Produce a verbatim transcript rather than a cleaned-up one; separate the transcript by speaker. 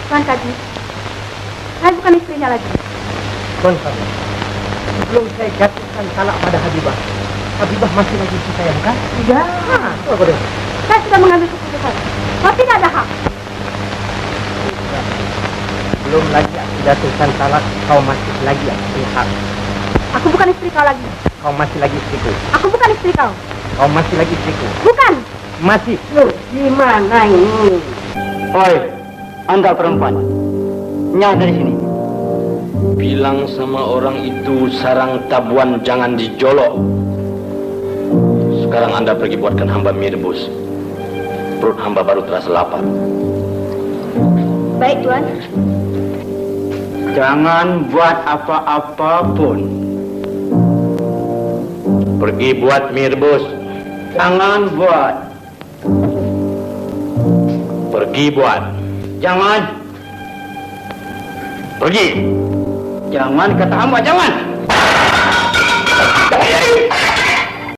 Speaker 1: Tuan Kaji, saya bukan istrinya lagi.
Speaker 2: Tuan Kaji, sebelum saya jatuhkan talak pada Habibah, Habibah masih lagi istri saya, bukan?
Speaker 1: Tidak.
Speaker 2: Ha, apa dia?
Speaker 1: Saya sudah mengambil keputusan. Kau tidak ada hak.
Speaker 2: Belum lagi aku jatuhkan talak, kau masih lagi aku hak.
Speaker 1: Aku bukan istri kau lagi.
Speaker 2: Kau masih lagi istriku.
Speaker 1: Aku bukan istri kau.
Speaker 2: Kau masih lagi istriku.
Speaker 1: Bukan.
Speaker 2: Masih.
Speaker 3: Loh, gimana ini? Oi, Anda perempuan. Nyah dari sini.
Speaker 4: Bilang sama orang itu sarang tabuan jangan dijolok. Sekarang Anda pergi buatkan hamba mie rebus. Perut hamba baru terasa lapar.
Speaker 1: Baik, Tuan.
Speaker 3: Jangan buat apa-apa pun.
Speaker 4: Pergi buat mie rebus.
Speaker 3: Jangan buat.
Speaker 4: Pergi buat.
Speaker 3: Jangan.
Speaker 4: Pergi.
Speaker 3: Jangan kata hamba, jangan.